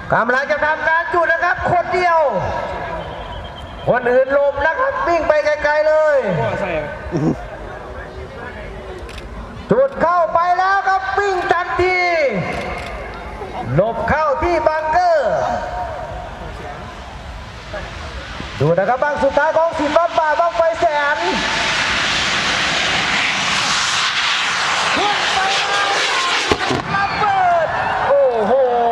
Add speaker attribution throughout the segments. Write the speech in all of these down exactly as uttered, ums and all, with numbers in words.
Speaker 1: กำลังจะทำการจุดนะครับคนเดียวคนอื่นหลบนะครับวิ่งไปไกลๆเลยจุดเข้าไปแล้วครับวิ่งทันทีหลบเข้าที่บังเกอร์ดูนะครับบังสุดท้ายของสิบบ้านป่าบังไฟแสนขึ้นไประเบิดโอ้โห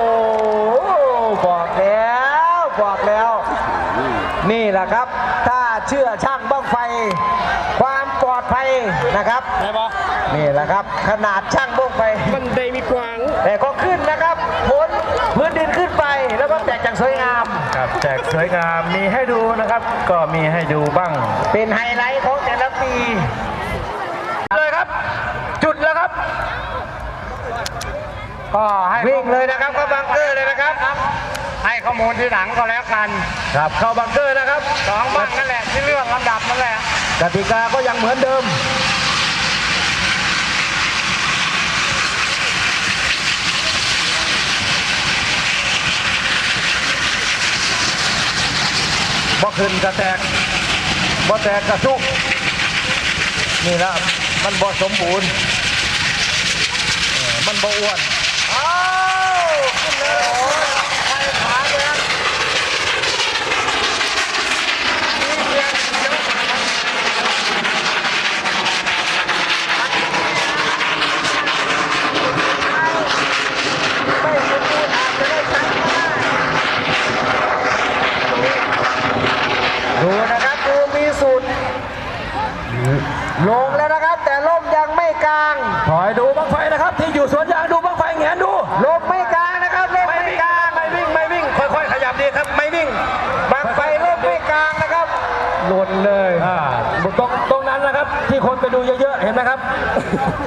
Speaker 1: บอกแล้วบอกแล้วนี่แหละครับถ้าเชื่อช่างบังไฟความปลอดภัยนะครับนี่แหละครับขนาดช่างบังไฟ
Speaker 2: มันได้มีกวาง
Speaker 1: แต่ก็ขึ้นนะครับพ้นพื้นดินขึ้นไปแล้วก็แตกจากสวยงาม
Speaker 3: ครับแจกสวยงามมีให้ดูนะครับก็มีให้ดูบ้าง
Speaker 1: เป็นไฮไลท์ของแต่ละปี
Speaker 3: เลยครับจุดแล้วครับ
Speaker 1: ก็ให้วิ่งเลยนะครับเข้าบังเกอร์เลยนะครับ
Speaker 2: ให้ข้อมูลที่หลังก็แล้วกัน
Speaker 1: ครับเข้าบังเกอร์นะครับ
Speaker 2: สองบ้างนั่นแหละที่เรื่องลำดับนั่นแหละ
Speaker 1: กติกาก็ยังเหมือนเดิมบ่ขึ้นกระแตกบ่แตกกระซุกนี่นะมันบ่สมบูรณ์มันบ่อ้วนอ้าวขึ้นเลยไปขาเลยดูนะครับดูมีสูตรลงแล้วนะครับแต่ลมยังไม่กลาง
Speaker 3: ถอยดูบังไฟนะครับที่อยู่สวนยางดูบังไฟแงนดู
Speaker 1: ลมไม่กลางนะครับลมไม่กลาง
Speaker 3: ไม่วิ่งไม่วิ่งค่อยๆขยับดีครับไม่วิ่ง
Speaker 1: บังไฟลมไม่กลางนะครับ
Speaker 3: หล่นเลยอ่าตรงตรงนั้นนะครับที่คนไปดูเยอะๆเห็นไหมครับ